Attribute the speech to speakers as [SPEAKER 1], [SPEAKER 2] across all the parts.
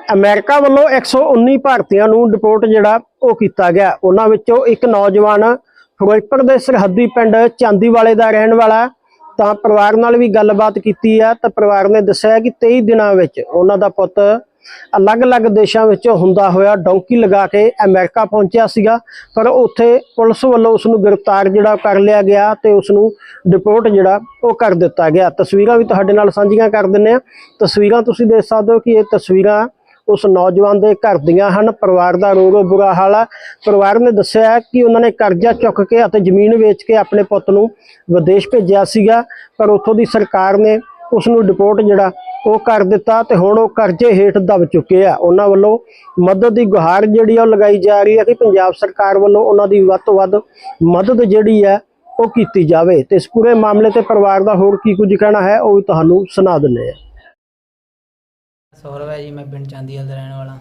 [SPEAKER 1] America ਵੱਲੋਂ 119 ਭਾਰਤੀਆਂ ਨੂੰ ਡਿਪੋਰਟ ਜਿਹੜਾ ਉਹ ਕੀਤਾ ਗਿਆ। ਉਹਨਾਂ ਵਿੱਚੋਂ ਇੱਕ ਨੌਜਵਾਨ ਫਿਰੋਜ਼ਪੁਰ ਦੇ ਸਰਹੱਦੀ ਪਿੰਡ ਚਾਂਦੀਵਾਲੇ ਦਾ ਰਹਿਣ ਵਾਲਾ। ਤਾਂ ਪਰਿਵਾਰ ਨਾਲ ਵੀ ਗੱਲਬਾਤ ਕੀਤੀ ਆ ਤਾਂ ਪਰਿਵਾਰ ਨੇ ਦੱਸਿਆ ਕਿ 23 ਦਿਨਾਂ ਵਿੱਚ ਉਹਨਾਂ ਦਾ ਪੁੱਤ ਅਲੱਗ-ਅਲੱਗ ਦੇਸ਼ਾਂ ਵਿੱਚ ਹੁੰਦਾ ਹੋਇਆ ਡੌਂਕੀ ਲਗਾ ਕੇ ਅਮਰੀਕਾ ਪਹੁੰਚਿਆ ਸੀਗਾ, ਪਰ ਉੱਥੇ ਪੁਲਿਸ ਵੱਲੋਂ ਉਸ ਨੂੰ ਗ੍ਰਿਫਤਾਰ ਜਿਹੜਾ ਕਰ ਲਿਆ ਗਿਆ ਤੇ ਉਸ ਨੂੰ ਡਿਪੋਰਟ ਜਿਹੜਾ ਉਹ ਕਰ ਦਿੱਤਾ ਗਿਆ। ਤਸਵੀਰਾਂ ਵੀ ਤੁਹਾਡੇ ਨਾਲ ਸਾਂਝੀਆਂ ਕਰ ਦਿੰਦੇ ਆ। ਤਸਵੀਰਾਂ ਤੁਸੀਂ ਦੇਖ ਸਕਦੇ ਹੋ ਕਿ ਇਹ ਤਸਵੀਰਾਂ ਉਸ ਨੌਜਵਾਨ ਦੇ ਘਰ ਦੀਆਂ ਹਨ। ਪਰਿਵਾਰ ਦਾ ਰੋ ਬੁਰਾ ਹਾਲ ਹੈ। ਪਰਿਵਾਰ ਨੇ ਦੱਸਿਆ ਕਿ ਉਹਨਾਂ ਨੇ ਕਰਜ਼ਾ ਚੁੱਕ ਕੇ ਅਤੇ ਜ਼ਮੀਨ ਵੇਚ ਕੇ ਆਪਣੇ ਪੁੱਤ ਨੂੰ ਵਿਦੇਸ਼ ਭੇਜਿਆ ਸੀਗਾ, ਪਰ ਉੱਥੋਂ ਦੀ ਸਰਕਾਰ ਨੇ ਉਸ ਨੂੰ ਡਿਪੋਰਟ ਜਿਹੜਾ ਉਹ ਕਰ ਦਿੱਤਾ ਤੇ ਹੁਣ ਉਹ ਕਰਜ਼ੇ ਹੇਠ ਦਬ ਚੁੱਕੇ ਆ। ਉਹਨਾਂ ਵੱਲੋਂ ਮਦਦ ਦੀ ਗੁਹਾਰ ਜਿਹੜੀ ਉਹ ਲਗਾਈ ਜਾ ਰਹੀ ਹੈ ਕਿ ਪੰਜਾਬ ਸਰਕਾਰ ਵੱਲੋਂ ਉਹਨਾਂ ਦੀ ਵੱਧ ਤੋਂ ਵੱਧ ਮਦਦ ਜਿਹੜੀ ਹੈ ਉਹ ਕੀਤੀ ਜਾਵੇ। ਤੇ ਇਸ ਪੂਰੇ ਮਾਮਲੇ ਤੇ ਪਰਿਵਾਰ ਦਾ ਹੋਰ ਕੀ ਕੁਝ ਕਹਿਣਾ ਹੈ ਉਹ ਵੀ ਤੁਹਾਨੂੰ ਸੁਣਾ ਦਿੰਦੇ ਹਾਂ।
[SPEAKER 2] ਸੌਰਵ ਹੈ ਜੀ, ਮੈਂ ਪਿੰਡ ਚਾਂਦੀਵਾਲ ਦਾ ਰਹਿਣ ਵਾਲਾ।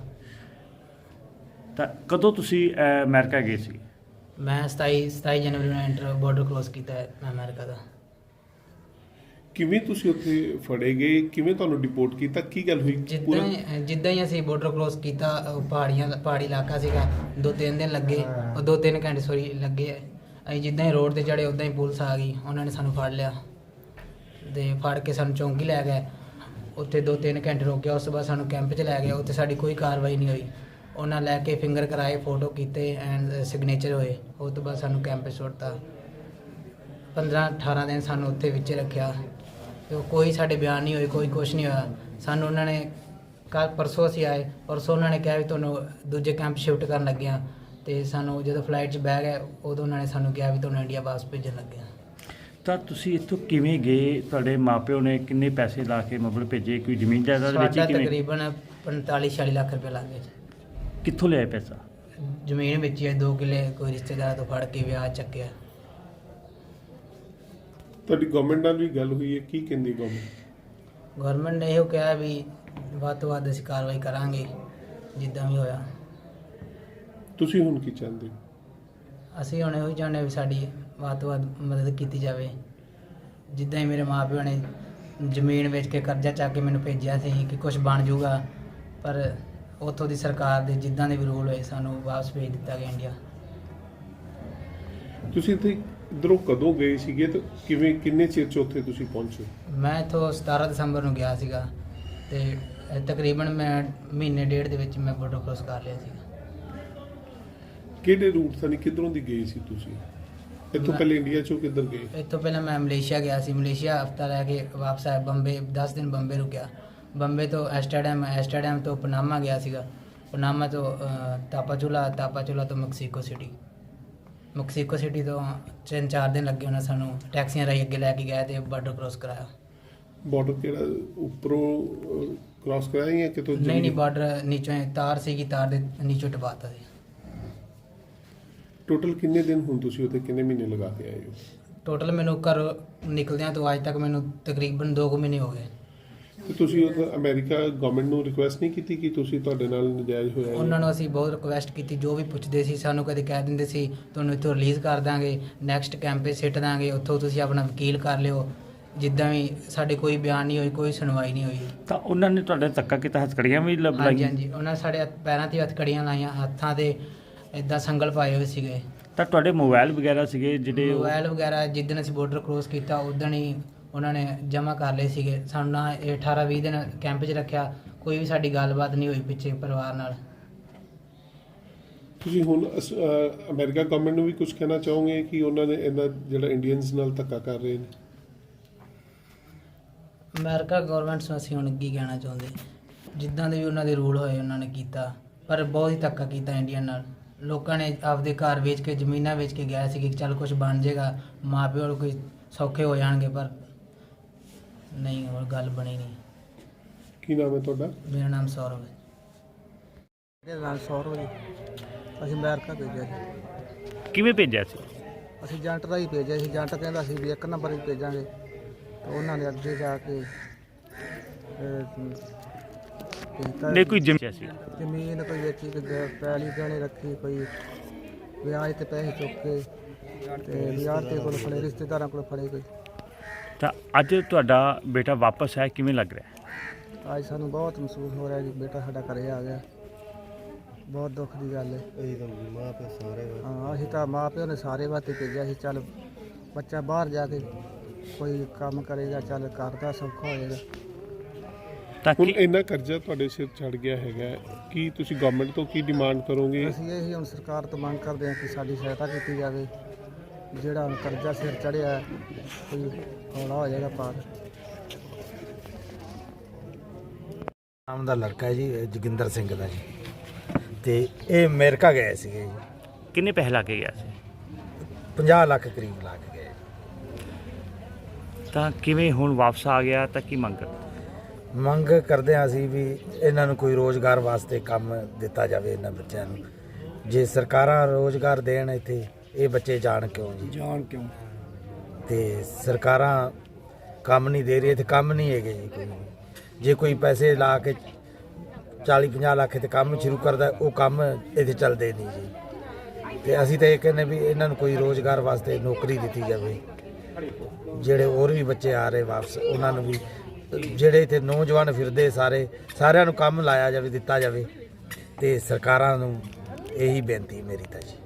[SPEAKER 3] ਤਾਂ ਕਦੋਂ ਤੁਸੀਂ ਅਮਰੀਕਾ ਗਏ ਸੀ?
[SPEAKER 2] ਮੈਂ 27 ਜਨਵਰੀ ਨੂੰ ਐਂਟਰ ਬਾਰਡਰ ਕ੍ਰੋਸ ਕੀਤਾ ਹੈ ਅਮਰੀਕਾ ਦਾ।
[SPEAKER 4] ਕਿਵੇਂ ਤੁਸੀਂ ਉੱਥੇ ਫੜੇ ਗਏ, ਕਿਵੇਂ ਤੁਹਾਨੂੰ ਡਿਪੋਰਟ ਕੀਤਾ, ਕੀ ਗੱਲ ਹੋਈ?
[SPEAKER 2] ਜਿੱਦਾਂ ਹੀ ਅਸੀਂ ਬਾਰਡਰ ਕ੍ਰੋਸ ਕੀਤਾ, ਪਹਾੜੀ ਇਲਾਕਾ ਸੀਗਾ, 2-3 ਦਿਨ ਲੱਗੇ, ਉਹ 2-3 ਘੰਟੇ ਲੱਗੇ। ਅਸੀਂ ਜਿੱਦਾਂ ਹੀ ਰੋਡ ਤੇ ਚੜੇ ਉੱਦਾਂ ਹੀ ਪੁਲਿਸ ਆ ਗਈ, ਉਹਨਾਂ ਨੇ ਸਾਨੂੰ ਫੜ ਲਿਆ ਤੇ ਫੜ ਕੇ ਸਾਨੂੰ ਚੌਂਕੀ ਲੈ ਗਏ। ਉੱਥੇ 2-3 ਘੰਟੇ ਰੋਕਿਆ, ਉਸ ਤੋਂ ਬਾਅਦ ਸਾਨੂੰ ਕੈਂਪ 'ਚ ਲੈ ਗਏ। ਉੱਥੇ ਸਾਡੀ ਕੋਈ ਕਾਰਵਾਈ ਨਹੀਂ ਹੋਈ। ਉਹਨਾਂ ਲੈ ਕੇ ਫਿੰਗਰ ਕਰਾਏ, ਫੋਟੋ ਕੀਤੇ ਐਂਡ ਸਿਗਨੇਚਰ ਹੋਏ। ਉਸ ਤੋਂ ਬਾਅਦ ਸਾਨੂੰ ਕੈਂਪ 'ਚ ਸੁੱਟਤਾ। 15-18 ਦਿਨ ਸਾਨੂੰ ਉੱਥੇ ਵਿੱਚ ਰੱਖਿਆ ਤੇ ਕੋਈ ਸਾਡੇ ਬਿਆਨ ਨਹੀਂ ਹੋਏ, ਕੋਈ ਕੁਛ ਨਹੀਂ ਹੋਇਆ। ਸਾਨੂੰ ਉਹਨਾਂ ਨੇ ਪਰਸੋਂ ਅਸੀਂ ਆਏ, ਪਰਸੋਂ ਉਹਨਾਂ ਨੇ ਕਿਹਾ ਵੀ ਤੁਹਾਨੂੰ ਦੂਜੇ ਕੈਂਪ ਸ਼ਿਫਟ ਕਰਨ ਲੱਗੇ ਹਾਂ। ਤੇ ਸਾਨੂੰ ਜਦੋਂ ਫਲਾਈਟ 'ਚ ਬਹਿ ਗਏ ਉਦੋਂ ਉਹਨਾਂ ਨੇ ਸਾਨੂੰ ਕਿਹਾ ਵੀ ਤੁਹਾਨੂੰ ਇੰਡੀਆ ਵਾਪਸ ਭੇਜਣ ਲੱਗੇ ਹਾਂ।
[SPEAKER 3] ਤਾਂ ਤੁਸੀਂ ਇੱਥੋਂ ਕਿਵੇਂ ਗਏ? ਤੁਹਾਡੇ ਮਾਪਿਓ ਨੇ ਕਿੰਨੇ ਪੈਸੇ ਲਾ ਕੇ ਮਤਲਬ ਭੇਜੇ? ਕੋਈ ਜ਼ਮੀਨ ਜਾਇਦਾਦ ਵੇਚੀ?
[SPEAKER 2] ਸਾਡਾ
[SPEAKER 3] ਕਿਵੇਂ?
[SPEAKER 2] ਤਕਰੀਬਨ 45-46 ਲੱਖ ਰੁਪਏ ਲੱਗ ਗਏ।
[SPEAKER 3] ਕਿੱਥੋਂ ਲਿਆਏ ਪੈਸਾ?
[SPEAKER 2] ਜ਼ਮੀਨ ਵੇਚੀ ਹੈ, 2 ਕਿੱਲੇ ਕੋਈ ਰਿਸ਼ਤੇਦਾਰ ਤੋਂ ਫੜ ਕੇ ਵਿਆਹ ਚੱਕਿਆ।
[SPEAKER 4] ਤੁਹਾਡੀ ਗਵਰਨਮੈਂਟ ਨਾਲ ਵੀ ਗੱਲ ਹੋਈ ਹੈ, ਕੀ ਕਹਿੰਦੀ ਗਵਰਨਮੈਂਟ?
[SPEAKER 2] ਗਵਰਨਮੈਂਟ ਨੇ ਇਹੋ ਕਿਹਾ ਵੀ ਵੱਧ ਤੋਂ ਵੱਧ ਅਸੀਂ ਕਾਰਵਾਈ ਕਰਾਂਗੇ ਜਿੱਦਾਂ ਵੀ ਹੋਇਆ।
[SPEAKER 4] ਤੁਸੀਂ ਹੁਣ ਕੀ ਚਾਹੁੰਦੇ ਹੋ?
[SPEAKER 2] ਅਸੀਂ ਹੁਣ ਇਹੋ ਚਾਹੁੰਦੇ ਵੀ ਸਾਡੀ ਵੱਧ ਤੋਂ ਵੱਧ ਮਦਦ ਕੀਤੀ ਜਾਵੇ। ਜਿੱਦਾਂ ਹੀ ਮੇਰੇ ਮਾਂ ਪਿਓ ਨੇ ਜ਼ਮੀਨ ਵੇਚ ਕੇ ਕਰਜ਼ਾ ਚੱਕ ਕੇ ਮੈਨੂੰ ਭੇਜਿਆ ਸੀ ਕਿ ਕੁਝ ਬਣ ਜਾਊਗਾ, ਪਰ ਉੱਥੋਂ ਦੀ ਸਰਕਾਰ ਦੇ ਜਿੱਦਾਂ ਦੇ ਵੀ ਰੂਲ ਹੋਏ ਸਾਨੂੰ ਵਾਪਸ ਭੇਜ ਦਿੱਤਾ ਗਿਆ ਇੰਡੀਆ।
[SPEAKER 4] ਤੁਸੀਂ ਇੱਥੇ ਇੱਧਰੋਂ ਕਦੋਂ ਗਏ ਸੀਗੇ ਤੇ ਕਿੰਨੇ ਚਿਰ 'ਚ ਉੱਥੇ ਤੁਸੀਂ ਪਹੁੰਚੇ?
[SPEAKER 2] ਮੈਂ ਇੱਥੋਂ 17 ਦਸੰਬਰ ਨੂੰ ਗਿਆ ਸੀਗਾ ਤੇ ਤਕਰੀਬਨ ਮੈਂ ਮਹੀਨੇ ਡੇਢ ਦੇ ਵਿੱਚ ਮੈਂ ਬਾਰਡਰ ਕ੍ਰੋਸ ਕਰ ਲਿਆ ਸੀਗਾ।
[SPEAKER 4] ਕਿਹੜੇ ਰੂਟ ਤੋਂ ਕਿੱਧਰੋਂ ਦੀ ਗਏ ਸੀ ਤੁਸੀਂ? ਇੱਥੋਂ ਪਹਿਲੇ ਇੰਡੀਆ 'ਚੋਂ ਕਿੱਧਰ ਗਏ?
[SPEAKER 2] ਇੱਥੋਂ ਪਹਿਲਾਂ ਮੈਂ ਮਲੇਸ਼ੀਆ ਗਿਆ ਸੀ। ਮਲੇਸ਼ੀਆ ਹਫ਼ਤਾ ਰਹਿ ਕੇ ਵਾਪਸ ਆਇਆ। ਬੰਬੇ 10 ਦਿਨ ਬੰਬੇ ਰੁਕਿਆ। ਬੰਬੇ ਤੋਂ ਐਸਟਰਡਮ ਤੋਂ ਪਨਾਮਾ ਗਿਆ ਸੀਗਾ। ਪਨਾਮਾ ਤੋਂ ਤਾਪਾਚੁਲਾ ਤੋਂ ਮੈਕਸੀਕੋ ਸਿਟੀ ਤੋਂ 3-4 ਦਿਨ ਲੱਗੇ। ਉਹਨਾਂ ਸਾਨੂੰ ਟੈਕਸੀਆਂ ਰਾਹੀਂ ਅੱਗੇ ਲੈ ਕੇ ਗਏ ਤੇ ਬਾਰਡਰ ਕ੍ਰੋਸ ਕਰਾਇਆ।
[SPEAKER 4] ਬਾਰਡਰ ਕਿਹੜਾ ਉੱਪਰੋਂ ਕ੍ਰਾਸ ਕਰਾਇਆ ਜਾਂ ਕਿਤੋਂ?
[SPEAKER 2] ਨਹੀਂ, ਬਾਰਡਰ ਨੀਚੋਂ ਤਾਰ ਸੀਗੀ, ਤਾਰ ਦੇ ਨੀਚੋਂ ਟਪਾਤਾ ਸੀ।
[SPEAKER 4] ਟੋਟਲ ਕਿੰਨੇ ਦਿਨ ਹੁਣ ਤੁਸੀਂ ਉੱਥੇ ਕਿੰਨੇ ਮਹੀਨੇ ਲਗਾ ਕੇ ਆਏ ਹੋ?
[SPEAKER 2] ਟੋਟਲ ਮੈਨੂੰ ਘਰ ਨਿਕਲਦਿਆਂ ਤੋਂ ਅੱਜ ਤੱਕ ਮੈਨੂੰ ਤਕਰੀਬਨ 2 ਮਹੀਨੇ ਹੋ ਗਏ।
[SPEAKER 4] ਤੇ ਤੁਸੀਂ ਅਮਰੀਕਾ ਗਵਰਨਮੈਂਟ ਨੂੰ ਰਿਕੁਐਸਟ ਨਹੀਂ ਕੀਤੀ ਕਿ ਤੁਸੀਂ ਤੁਹਾਡੇ ਨਾਲ ਨਜਾਇਜ਼ ਹੋਇਆ?
[SPEAKER 2] ਉਹਨਾਂ ਨੂੰ ਅਸੀਂ ਬਹੁਤ ਰਿਕੁਐਸਟ ਕੀਤੀ। ਜੋ ਵੀ ਪੁੱਛਦੇ ਸੀ ਸਾਨੂੰ ਕਦੇ ਕਹਿ ਦਿੰਦੇ ਸੀ ਤੁਹਾਨੂੰ ਇੱਥੋਂ ਰਿਲੀਜ਼ ਕਰ ਦਾਂਗੇ, ਨੈਕਸਟ ਕੈਂਪ 'ਤੇ ਸਿੱਟ ਦਾਂਗੇ, ਉੱਥੋਂ ਤੁਸੀਂ ਆਪਣਾ ਵਕੀਲ ਕਰ ਲਿਓ। ਜਿੱਦਾਂ ਵੀ ਸਾਡੇ ਕੋਈ ਬਿਆਨ ਨਹੀਂ ਹੋਈ, ਕੋਈ ਸੁਣਵਾਈ ਨਹੀਂ ਹੋਈ।
[SPEAKER 3] ਤਾਂ ਉਹਨਾਂ ਨੇ ਤੁਹਾਡੇ ਧੱਕਾ ਕੀਤਾ? ਹੱਥਕੜੀਆਂ ਵੀ ਲਾਈਆਂ?
[SPEAKER 2] ਹਾਂਜੀ, ਉਹਨਾਂ ਸਾਡੇ ਪੈਰਾਂ 'ਤੇ ਹੱਥਕੜੀਆਂ ਲਾਈਆਂ, ਹੱਥਾਂ 'ਤੇ ਇੱਦਾਂ ਸੰਗਲ ਪਾਏ ਹੋਏ ਸੀਗੇ।
[SPEAKER 3] ਤਾਂ ਤੁਹਾਡੇ ਮੋਬਾਈਲ ਵਗੈਰਾ ਸੀਗੇ ਜਿਹੜੇ?
[SPEAKER 2] ਮੋਬਾਈਲ ਵਗੈਰਾ ਜਿੱਦਣ ਅਸੀਂ ਬਾਰਡਰ ਕ੍ਰੋਸ ਕੀਤਾ ਉਦਣ ਹੀ ਉਹਨਾਂ ਨੇ ਜਮ੍ਹਾਂ ਕਰ ਲਏ ਸੀਗੇ। ਸਾਨੂੰ ਨਾ 18-20 ਦਿਨ ਕੈਂਪ 'ਚ ਰੱਖਿਆ। ਕੋਈ ਵੀ ਸਾਡੀ ਗੱਲਬਾਤ ਨਹੀਂ ਹੋਈ ਪਿੱਛੇ ਪਰਿਵਾਰ ਨਾਲ।
[SPEAKER 4] ਤੁਸੀਂ ਹੁਣ ਅਮਰੀਕਾ ਗਵਰਨਮੈਂਟ ਨੂੰ ਵੀ ਕੁਝ ਕਹਿਣਾ ਚਾਹੋਗੇ ਕਿ ਉਹਨਾਂ ਨੇ ਇਹਨਾਂ ਜਿਹੜਾ ਇੰਡੀਅਨਸ ਨਾਲ ਧੱਕਾ ਕਰ ਰਹੇ ਨੇ?
[SPEAKER 2] ਅਮਰੀਕਾ ਗਵਰਨਮੈਂਟ ਨੂੰ ਅਸੀਂ ਹੁਣ ਕੀ ਕਹਿਣਾ ਚਾਹੁੰਦੇ, ਜਿੱਦਾਂ ਦੇ ਵੀ ਉਹਨਾਂ ਦੇ ਰੂਲ ਹੋਏ ਉਹਨਾਂ ਨੇ ਕੀਤਾ, ਪਰ ਬਹੁਤ ਹੀ ਧੱਕਾ ਕੀਤਾ ਇੰਡੀਅਨ ਨਾਲ। ਲੋਕਾਂ ਨੇ ਆਪਦੇ ਘਰ ਵੇਚ ਕੇ, ਜ਼ਮੀਨਾਂ ਵੇਚ ਕੇ ਗਏ ਸੀ ਕਿ ਚੱਲ ਕੁਝ ਬਣ ਜਾਏਗਾ, ਮਾਂ ਪਿਓ ਨੂੰ ਕੋਈ ਸੌਖੇ ਹੋ ਜਾਣਗੇ, ਪਰ ਨਹੀਂ, ਹੋਰ ਗੱਲ ਬਣੀ ਨਹੀਂ।
[SPEAKER 4] ਕੀ ਨਾਮ ਹੈ ਤੁਹਾਡਾ?
[SPEAKER 2] ਮੇਰਾ ਨਾਮ ਸੌਰਵ ਹੈ।
[SPEAKER 5] ਮੇਰਾ ਨਾਮ ਸੌਰਵ ਜੀ। ਅਸੀਂ ਅਮਰੀਕਾ ਭੇਜਿਆ ਸੀ।
[SPEAKER 3] ਕਿਵੇਂ ਭੇਜਿਆ ਸੀ?
[SPEAKER 5] ਅਸੀਂ ਏਜੰਟ ਰਾਹੀਂ ਭੇਜਿਆ ਸੀ। ਏਜੰਟ ਕਹਿੰਦਾ ਸੀ ਵੀ 1 ਨੰਬਰ 'ਚ ਭੇਜਾਂਗੇ, ਤਾਂ ਉਹਨਾਂ ਨੇ ਅੱਗੇ ਜਾ ਕੇ
[SPEAKER 3] ਨਹੀਂ ਕੋਈ
[SPEAKER 5] ਜ਼ਮੀਨ ਕੋਈ ਵੇਚੀ, ਕੋਈ ਪੈਲੀ ਗਹਿਣੇ ਰੱਖੀ, ਕੋਈ ਵਿਆਜ ਤੇ ਪੈਸੇ ਚੁੱਕ ਕੇ ਤੇ ਵਿਆਜ ਤੇ ਕੋਲ ਫੜੇ, ਰਿਸ਼ਤੇਦਾਰਾਂ ਕੋਲ ਫੜੇ ਕੋਈ।
[SPEAKER 3] ਤਾਂ ਅੱਜ ਤੁਹਾਡਾ ਬੇਟਾ ਵਾਪਸ ਆਇਆ, ਕਿਵੇਂ ਲੱਗ ਰਿਹਾ?
[SPEAKER 5] ਅੱਜ ਸਾਨੂੰ ਬਹੁਤ ਮਹਿਸੂਸ ਹੋ ਰਿਹਾ ਕਿ ਬੇਟਾ ਸਾਡਾ ਘਰੇ ਆ ਗਿਆ। ਬਹੁਤ ਦੁੱਖ ਦੀ ਗੱਲ ਹੈ। ਹਾਂ ਅਸੀਂ ਤਾਂ ਮਾਂ ਪਿਓ ਨੇ ਸਾਰੇ ਵਾਸਤੇ ਭੇਜਿਆ ਸੀ, ਚੱਲ ਬੱਚਾ ਬਾਹਰ ਜਾ ਕੇ ਕੋਈ ਕੰਮ ਕਰੇਗਾ, ਚੱਲ ਘਰ ਦਾ ਸੌਖਾ ਹੋਏਗਾ।
[SPEAKER 3] ਤਾਂ
[SPEAKER 4] ਹੁਣ
[SPEAKER 3] ਕੀ
[SPEAKER 4] ਇੰਨਾ ਕਰਜ਼ਾ ਤੁਹਾਡੇ ਸਿਰ ਚੜ ਗਿਆ ਹੈਗਾ, ਕੀ ਤੁਸੀਂ ਗਵਰਨਮੈਂਟ ਤੋਂ ਕੀ ਡਿਮਾਂਡ ਕਰੋਗੇ?
[SPEAKER 5] ਅਸੀਂ ਇਹ ਹੁਣ ਸਰਕਾਰ ਤੋਂ ਮੰਗ ਕਰਦੇ ਹਾਂ ਕਿ ਸਾਡੀ ਸਹਾਇਤਾ ਕੀਤੀ ਜਾਵੇ। ਜਿਹੜਾ ਹੁਣ ਕਰਜ਼ਾ ਸਿਰ ਚੜਿਆ ਕੋਈ ਹੌਲਾ ਹੋ ਜਾਏਗਾ ਪਾਰ।
[SPEAKER 6] ਨਾਮ ਦਾ ਲੜਕਾ ਹੈ ਜੀ, ਜੋਗਿੰਦਰ ਸਿੰਘ ਦਾ ਜੀ, ਤੇ ਇਹ ਅਮਰੀਕਾ ਗਏ ਸੀਗੇ ਜੀ।
[SPEAKER 3] ਕਿੰਨੇ ਪੈਸੇ ਲਾ ਕੇ ਗਿਆ ਸੀ?
[SPEAKER 6] 50 ਲੱਖ ਕਰੀਬ ਲਾ ਕੇ ਗਏ।
[SPEAKER 3] ਤਾਂ ਕਿਵੇਂ ਹੁਣ ਵਾਪਸ ਆ ਗਿਆ ਤਾਂ ਕੀ ਮੰਗ?
[SPEAKER 6] ਮੰਗ ਕਰਦੇ ਹਾਂ ਅਸੀਂ ਵੀ ਇਹਨਾਂ ਨੂੰ ਕੋਈ ਰੋਜ਼ਗਾਰ ਵਾਸਤੇ ਕੰਮ ਦਿੱਤਾ ਜਾਵੇ ਇਹਨਾਂ ਬੱਚਿਆਂ ਨੂੰ। ਜੇ ਸਰਕਾਰਾਂ ਰੋਜ਼ਗਾਰ ਦੇਣ ਇੱਥੇ, ਇਹ ਬੱਚੇ ਜਾਣ ਕਿਉਂ ਜੀ? ਤੇ ਸਰਕਾਰਾਂ ਕੰਮ ਨਹੀਂ ਦੇ ਰਹੀ, ਇੱਥੇ ਕੰਮ ਨਹੀਂ ਹੈਗੇ ਜੀ ਕੋਈ। ਜੇ ਕੋਈ ਪੈਸੇ ਲਾ ਕੇ 40-50 ਲੱਖ ਤੇ ਕੰਮ ਸ਼ੁਰੂ ਕਰਦਾ, ਉਹ ਕੰਮ ਇੱਥੇ ਚੱਲਦੇ ਨਹੀਂ ਜੀ। ਤੇ ਅਸੀਂ ਤਾਂ ਇਹ ਕਹਿੰਦੇ ਵੀ ਇਹਨਾਂ ਨੂੰ ਕੋਈ ਰੋਜ਼ਗਾਰ ਵਾਸਤੇ ਨੌਕਰੀ ਦਿੱਤੀ ਜਾਵੇ। ਜਿਹੜੇ ਹੋਰ ਵੀ ਬੱਚੇ ਆ ਰਹੇ ਵਾਪਸ, ਉਹਨਾਂ ਨੂੰ ਵੀ, ਜਿਹੜੇ ਇੱਥੇ ਨੌਜਵਾਨ ਫਿਰਦੇ ਸਾਰਿਆਂ ਨੂੰ ਕੰਮ ਲਾਇਆ ਜਾਵੇ, ਦਿੱਤਾ ਜਾਵੇ। ਤੇ ਸਰਕਾਰਾਂ ਨੂੰ ਇਹੀ ਬੇਨਤੀ ਮੇਰੀ ਤਾਂ ਜੀ।